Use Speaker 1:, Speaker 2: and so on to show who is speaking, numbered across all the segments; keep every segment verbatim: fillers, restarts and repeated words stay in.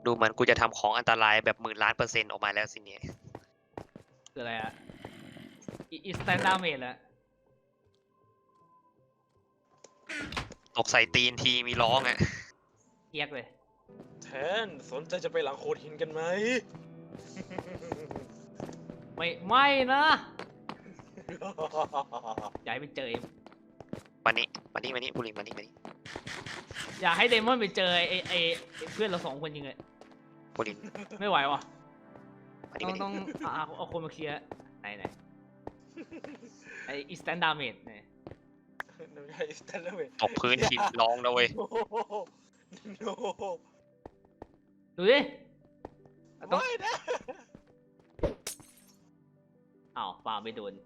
Speaker 1: ดูเหมือนกูจะทำของอันตรายแบบหมื่นล้านเปอร์เซ็นต์ออกมาแล้วสิเนี่ย
Speaker 2: คืออะไรอะอีสแตนดาร์เมดอะ
Speaker 1: ตกใส่ตีนทีมีร้องอ่ะ
Speaker 2: เทียกเลย
Speaker 3: แทนสนใจจะไปหลังโขดหินกันไหม
Speaker 2: ไม่ไม่นะอย่าให้ไปเจอ
Speaker 1: มานี่มานี่มานี่บุรีมานี่มานี่
Speaker 2: อย่าให้เดมอนไปเจอไอ้ไอ้เพื่อนเราสองคนจริงเลย
Speaker 1: บุรี
Speaker 2: ไม่ไหววะ
Speaker 1: มานี่
Speaker 2: ต้อง
Speaker 1: มานี่
Speaker 2: ต้องเอาเอาคนมาเคลียร์ไหนไหนไอ้อีสแตนดาร์เมดเนี่ย
Speaker 1: ตกพื้นทีร้องนะเว้ย
Speaker 2: ดูดิ
Speaker 3: ไม่นะ
Speaker 2: อ้าวปาไม่โดน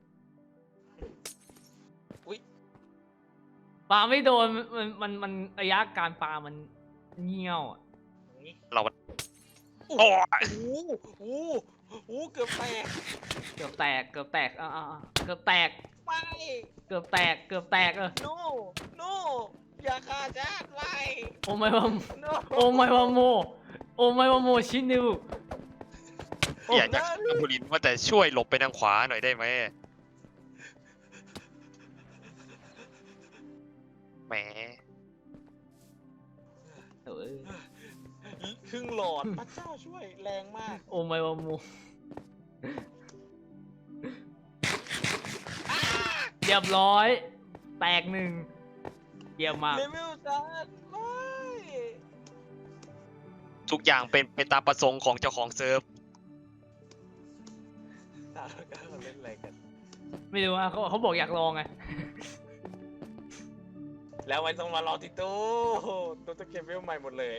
Speaker 3: อุ้ย
Speaker 2: ปาไม่โดนมันมันมันระยะการปามันเงี้ยวอ่ะ
Speaker 1: เรา
Speaker 3: โอ้โหโอ้โหเกือบแตก
Speaker 2: เกือบแตกเกือบแตกอ่าเกือบแตก
Speaker 3: ไม่
Speaker 2: เกือบแตกเกือบแตกเออ
Speaker 3: no no อย่าฆ่าฉันไม่
Speaker 2: โอ้ไม่ว่าโอ้ไม่ว่าโมโอ้ไม่ว่าโมชินิว
Speaker 1: อยากจะบุรีว่าแต่ช่วยหลบไปทางขวาหน่อยได้ไหมแหม
Speaker 2: เออ
Speaker 3: ครึ่งหลอดพระเจ้าช่วยแรงมาก
Speaker 2: โอ้ไม่ว่าโมเรียบร้อยแตกหนึ่งเยี่ยมมาก
Speaker 3: เลเวลซันไม่
Speaker 1: ทุกอย่างเป็นเป็นตามประสงค์ของเจ้าของเซิร์ฟ
Speaker 3: ตาเราเล่นอะไรกัน
Speaker 2: ไม่รู้ว่าเขาเขาบอกอยากลองไง
Speaker 3: แล้วมันต้องมารอที่ตู้ตู้จะเก็บเวลใหม่หมดเลย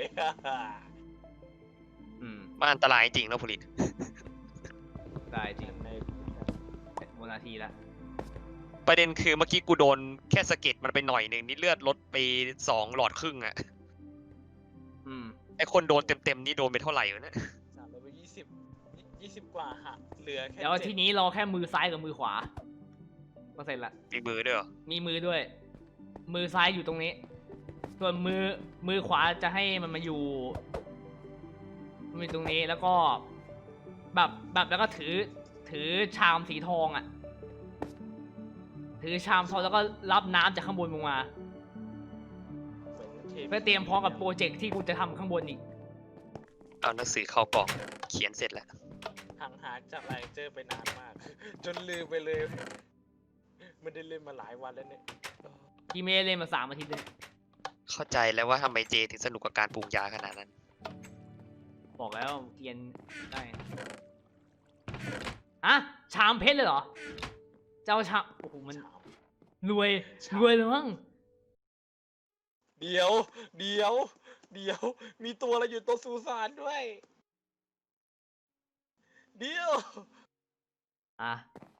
Speaker 2: อืม
Speaker 1: มันอันตรายจริงนะผลิต
Speaker 2: ได้จริงในโมนาทีละ
Speaker 1: ประเด็นคือเมื่อกี้กูโดนแค่สะเก็ดมันไปหน่อยหนึ่งนี่เลือดลดไปสองหลอดครึ่งอ่ะ
Speaker 2: อืม
Speaker 1: ไอคนโดนเต็มๆนี่โดนไปเท่าไหร่วะเนี่ย
Speaker 3: สามร้อยยี่สิบยี่สิบกว่าหักเหลือแค่
Speaker 2: แล้วทีนี้รอแค่มือซ้ายกับมือขวาก็เสร็จละ
Speaker 1: มีมือด้วยเหรอ
Speaker 2: มีมือด้วย มือซ้ายอยู่ตรงนี้ส่วนมือมือขวาจะให้มันมาอยู่มีตรงนี้แล้วก็แบบแบบแล้วก็ถือถือชามสีทองอ่ะถือชามทองแล้วก็รับน้ำจากข้างบนลงมาเพื่อเตรียมพร้อมกับโปรเจกต์ที่กูจะทำข้างบนอีก
Speaker 1: เอาหนังสือเข้ากล่องเขียนเสร็จแล้ว
Speaker 3: ห่างหายจากไลเจอร์ไปนานมากจนลืมไปเลยไม่ได้เล่นมาหลายวันแล้วเนี่ย
Speaker 2: พี่เมย์เล่นมาสามอาทิตย์เลย
Speaker 1: เข้าใจแล้วว่าทำไมเจถึงสนุกกับการปรุงยาขนาดนั้น
Speaker 2: บอกแล้วเกียนได้อะชามเพชรเลยเหรอเจ้าชามโอ้โหมันรวยรวยเลยมั้ง
Speaker 3: เดี๋ยวเดี๋ยวเดี๋ยวมีตัวอะไรอยู่ตัวซูซานด้วยเดี๋ยว
Speaker 2: อะ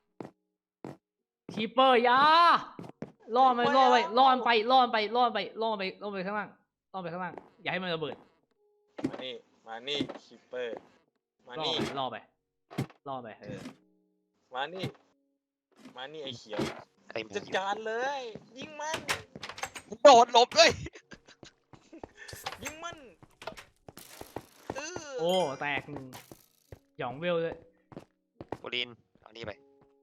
Speaker 2: คีเปอร์ยาล่อมันล่อไปล่อมันไปล่อมันไปล่อมันไปล่อมันไปล่อมันไปข้างล่างล่อมันไปข้างล่างอย่าให้มันระเบิด
Speaker 3: มานี่มานี่คีเปอร์มานี่
Speaker 2: ล่อไปล่อไปเออ
Speaker 3: มานี่มานี่ไอ้เขียวจัดการเลยยิงมัน
Speaker 1: โดดหลบเลย
Speaker 3: ยิงมัน
Speaker 2: โอ้แตกหยองเวลเลย
Speaker 1: บุรินเอานี่ไป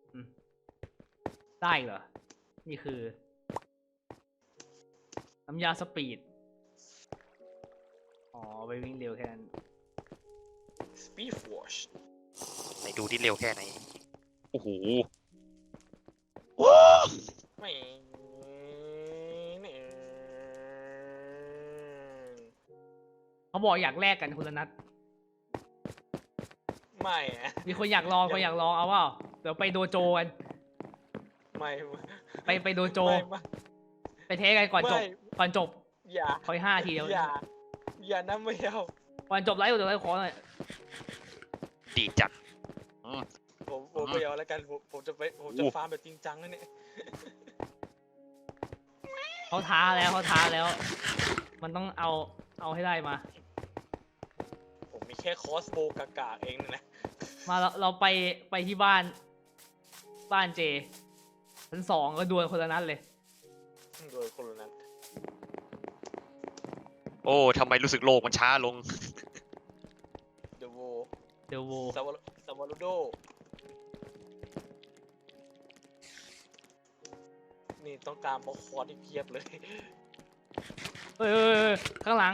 Speaker 2: ได้เหรอนี่คือน้ำยาสปีดอ๋อไปวิ่งเร็วแค่นั้น
Speaker 3: Speed Force
Speaker 1: ไหนดูที่เร็วแค่ไหนโอ้โห
Speaker 3: ไม่
Speaker 2: เขาบอกอยากแลกกันคนละนัด
Speaker 3: ไม่
Speaker 2: มีคนอยากลองคนอยากลองเอาเปล่าเดี๋ยวไปโดโจกัน
Speaker 3: ไม่
Speaker 2: ไปไปโดโจไปเทสกันก่อนจบก่อนจบ
Speaker 3: อย่า
Speaker 2: คอยห้าทีเดียว
Speaker 3: อย่าอย่านะไม่เอา
Speaker 2: ก่อนจบไลฟ์เดี๋ยวไลฟ์ขอหน่อย
Speaker 1: ดีจัด
Speaker 3: ผมผมไม่เอาแล้วกันผมผมจะไปผมจะฟาร์มแบบจริงจังนะเนี่ย
Speaker 2: เขาท้าแล้วเขาท้าแล้วมันต้องเอาเอาให้ได้มา
Speaker 3: ผมมีแค่คอสโบกากาเองนะ
Speaker 2: มาเราเราไปไปที่บ้านบ้านเจชั้นสองก็ดวลคนละนัดเลย
Speaker 3: ดวลคนละนัด
Speaker 1: โอ้ทำไมรู้สึกโลกมันช้าลง
Speaker 2: เดโว
Speaker 3: ซาวาซาวาลูโดนี่ต้องการบล็อกคอร์ดที่เพียบเลย
Speaker 2: เอ้ยเอ้ยเอ้ยข้างหลัง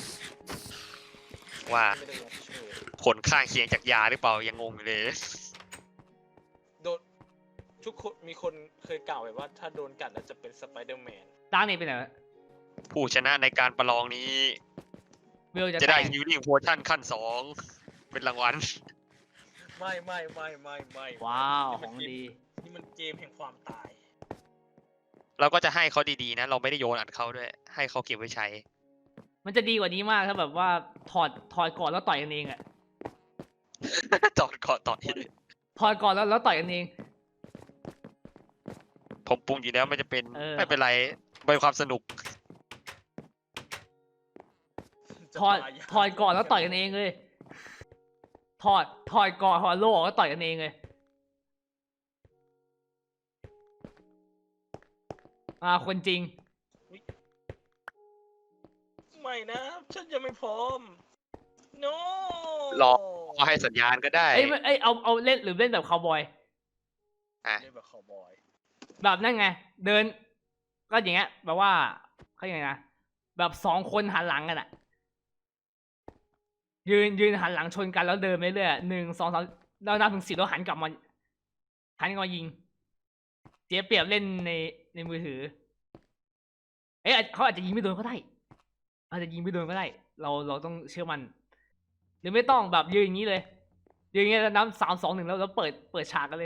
Speaker 1: ว่า
Speaker 3: ไม่ได้มาช่วย
Speaker 1: ผลข้างเคียงจากยาหรือเปล่ายังงงอยู่เลย
Speaker 3: โดนทุกคนมีคนเคยกล่าวไว้ว่าถ้าโดนกัดอาจจะเป็นสไปเดอร์แมน
Speaker 2: ดังเน็ตไปไหนวะ
Speaker 1: ผู้ชนะในการประลองนี้
Speaker 2: เวลจะ
Speaker 1: จะ
Speaker 2: แต
Speaker 1: ได้
Speaker 2: ก
Speaker 1: ฮิลลิ่งโพชั่นขั้นสองเป็นรางวัล
Speaker 3: ไม่ไม่ไม่ไม่ไม่
Speaker 2: ว้าว
Speaker 3: นี่
Speaker 2: ข
Speaker 3: มั
Speaker 2: อน ง
Speaker 3: เกม
Speaker 2: ดี
Speaker 3: นี่มันเกมแห่งความตาย
Speaker 1: เราก็จะให้เขาดีๆนะ เราไม่ได้โยนอัดเขาด้วย ให้เขาเก็บไว้ใช้
Speaker 2: มันจะดีกว่านี้มากถ้าแบบว่าถอดถอดก่อนแล้วต่อยกันเองอะ
Speaker 1: จอดก่อนต่อที่
Speaker 2: ถอดก่อนแล้วแล้วต่อยกันเอง
Speaker 1: ผมปรุงอยู่แล้วไม่จะเป็น
Speaker 2: เออ
Speaker 1: ไม่เป็นไรเป็นความสนุก
Speaker 3: จะ
Speaker 2: ถอด
Speaker 3: ตายยาก
Speaker 2: ถอดก่อนแล้วต่อยกันเองเลยถอดถอดก่อนถอดโล่ออกแล้วต่อยกันเองเลยอ่าคนจริง
Speaker 3: ไม่นะ ฉันยังไม่พร้อม no
Speaker 1: รอ ก็ให้สัญญาณก็ได้
Speaker 2: เอ้ยไม่เอ้ยเอาเอาเล่นหรือเล่นแบบคาวบอย
Speaker 1: อ่ะ
Speaker 3: เล่นแบบคาวบอย
Speaker 2: แบบนั่นไง เดิน ก็อย่างเงี้ยแบบว่าเขาอย่างไงนะแบบสองคนหันหลังกันอะยืนยืนหันหลังชนกันแล้วเดินไปเรื่อยหนึ่งสองสามแล้วนับถึงสิบแล้วหันกลับมาหันกลับมายิงเสียเปรียบเล่นในในมือถือ เอ๊ะเขาอาจจะยิงไม่โดนก็ได้อาจจะยิงไม่โดนก็ได้ เราเราต้องเชื่อมันหรือไม่ต้องแบบยืนอย่างนี้เลยยืนอย่างนี้แล้วนับสามสองหนึ่งแล้วแล้วเปิดเปิดฉากกันเลย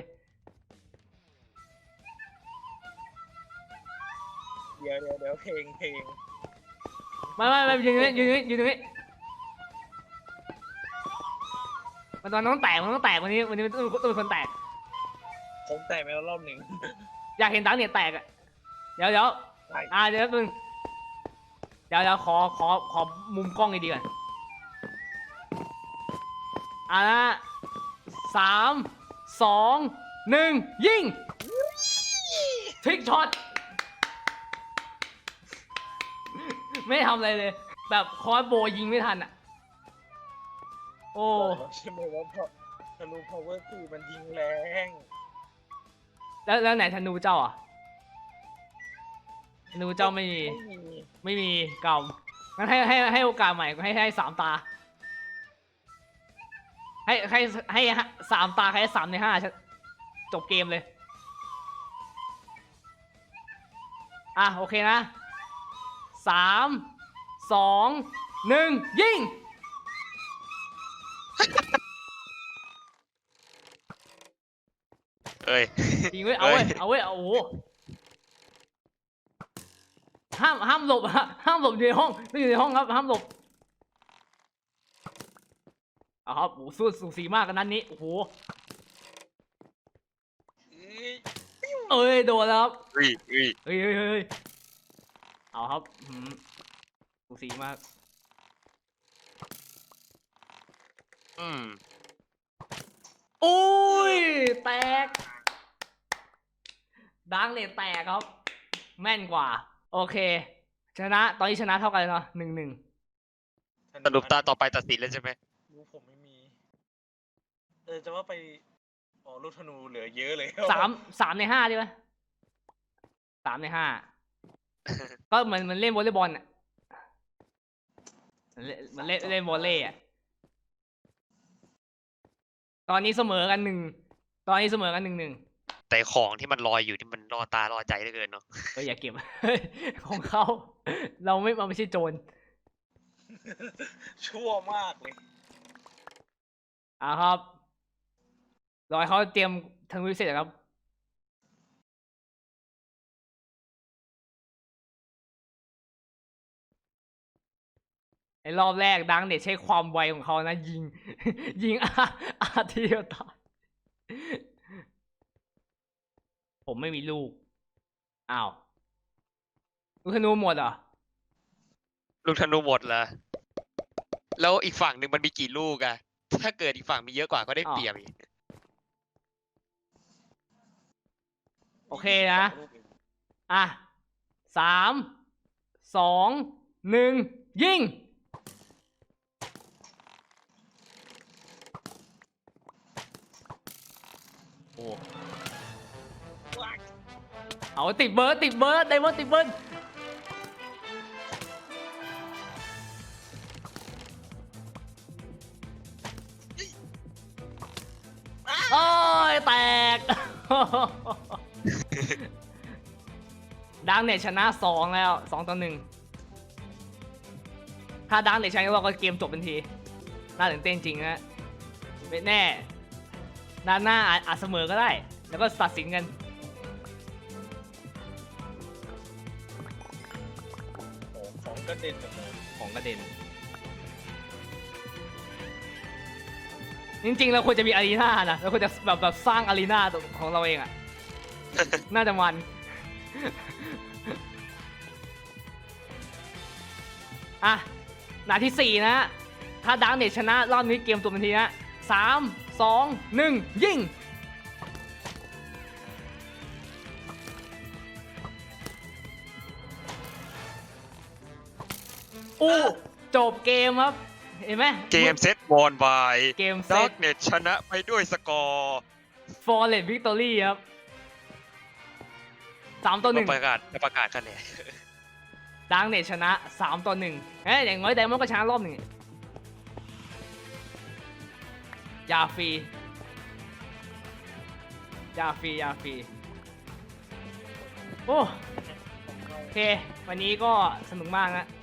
Speaker 3: เดี๋ยวเดี๋ยวเดี๋ยวเพลงเพลง
Speaker 2: ไม่ไม่ไม่ยืนตรงนี้ยืนตรงนี้ยืนตรงนี้มันตอนต้องแตกมันต้องแตกวันนี้วันนี้มันต้องต้องเป็นคนแตก
Speaker 3: ผมแต่งไปแล้วรอบหนึ่ง
Speaker 2: อยากเห็นดังเนี่ยแตกอ่ะเดี๋ยวเดี๋ยว
Speaker 3: ใช่
Speaker 2: อ่าเดี๋ยวมึงเดี๋ยวเดี๋ยวขอขอขอมุมกล้องดีๆก่อนอ่านะสามสองหนึ่งยิงทริกช็อตไม่ทำอะไรเลย แบบคอร์สโบยิงไม่ทันอ่ะ โอ้
Speaker 3: บอกแล้วใช่ไหมว่าเพราะธนู power สี่มันยิงแรง
Speaker 2: แล้วแล้วไหนธนูเจ้าอ่ะธนูเจ้าไม่มี
Speaker 3: ไม่มี
Speaker 2: ไม่มีเก่างั้นให้ให้ให้โอกาสใหม่ให้ให้สามตา ให้ให้ให้สามตาใครสามในห้าจบเกมเลย อ่ะโอเคนะสามสองหนึ่งยิง
Speaker 1: เอ้ย
Speaker 2: ยิงเว้ยเอาเว้ยเอาเว้ยเอาโอ้โหห้ามห้ามหลบฮะห้ามหลบอยู่ในห้องไม่อยู่ในห้องครับห้ามหลบเอาครับโอ้โหสู้สูสีมากกันนั้นนี้โอ้โห
Speaker 3: เอ้ย
Speaker 2: เอ้ยโดนแล้วครับ
Speaker 1: อุ้ยอุ้ย
Speaker 2: เฮ้ยเฮ้ยเฮ้ยเอาครับหืมสูสีมาก
Speaker 1: อืม
Speaker 2: อุ้ยแตกดังเลยแตกครับ แม่นกว่า โอเค ชนะตอนนี้ชนะเท่ากันเลยเนาะหนึ่งหนึ่ง
Speaker 1: สรุปตาต่อไปตัดสินแล้วใช่ไหม
Speaker 3: รู้ผมไม่มี เออจะว่าไปอ๋อลูกธนูเหลือเยอะเลย
Speaker 2: สามสามในห้าดีไหมสามในห้าก็เหมือนเหมันเล่นวอลเลย์บอลอ่ะมันเล่นมันเล่นเล่นวอลเลย์อ่ะตอนนี้เสมอกันหนึ่งตอนนี้เสมอกันหนึ่งหนึ่ง
Speaker 1: แต่ของที่มันลอยอยู่ที่มันรอตารอใจเหลือเกินเนาะ
Speaker 2: เอออย่าเก็บ ของเขาเราไม่เราไม่ใช่โจร
Speaker 3: ชั่วมากเลย
Speaker 2: อ่าครับรอให้เขาเตรียมทางวิเศษครับไอ้รอบแรกดังเด็ดใช้ความไวของเขานะยิง ยิงอาอาทีเดียวตายผมไม่มีลูกอ้าวลูกธนูหมดเหรอ
Speaker 1: ลูกธนูหมดเหรอแล้วอีกฝั่งหนึ่งมันมีกี่ลูกอะถ้าเกิดอีกฝั่งมีเยอะกว่าก็ได้เปรียบอีก
Speaker 2: โอเคนะ อ่ะสามสองหนึ่งยิงอ้เอาติดเบิร์ดติดเบิร์ดไดมอนด์ติดเบิร์ดโอ้ยแตก ดังเน็ตชนะสองแล้วสองต่อหนึ่งถ้าดังเน็ตชนะเราก็เกมจบทันทีน่าตื่นเต้นจริงนะไม่แน่ด้านหน้าอาจอาจเสมอก็ได้แล้วก็ตัดสินกัน
Speaker 3: โอ้ของกระเด็นหมดเลย
Speaker 2: ของกระเด็นจริงๆเราควรจะมีอารีนานะเราควรจะแบบแบบสร้างอารีนาของเราเองอะ น่าจะมัน อ่ะนาทีสี่นะ ถ้าดังเน็ตชนะรอบนี้เกมตัวทันทีนะสามสองหนึ่งยิงอู้จบเกมครับ เห็นไหม
Speaker 1: เกมเซตบอลบาย
Speaker 2: เกมเซ
Speaker 1: ดั
Speaker 2: ต
Speaker 1: กเน็ตชนะไปด้วยสกอร์
Speaker 2: ฟอร์เรสวิกตอรี่ครับสามต่อหนึ่ง
Speaker 1: ประกาศประกาศคะแนน
Speaker 2: ดังเน็ตชนะสามต่อหนึ่งเอ้ยอย่างน้อยไดมอนด์ก็ชนะรอบหนึ่งยาฟรียาฟรียาฟรีโอ้โอเค วันนี้ก็สนุกมากนะ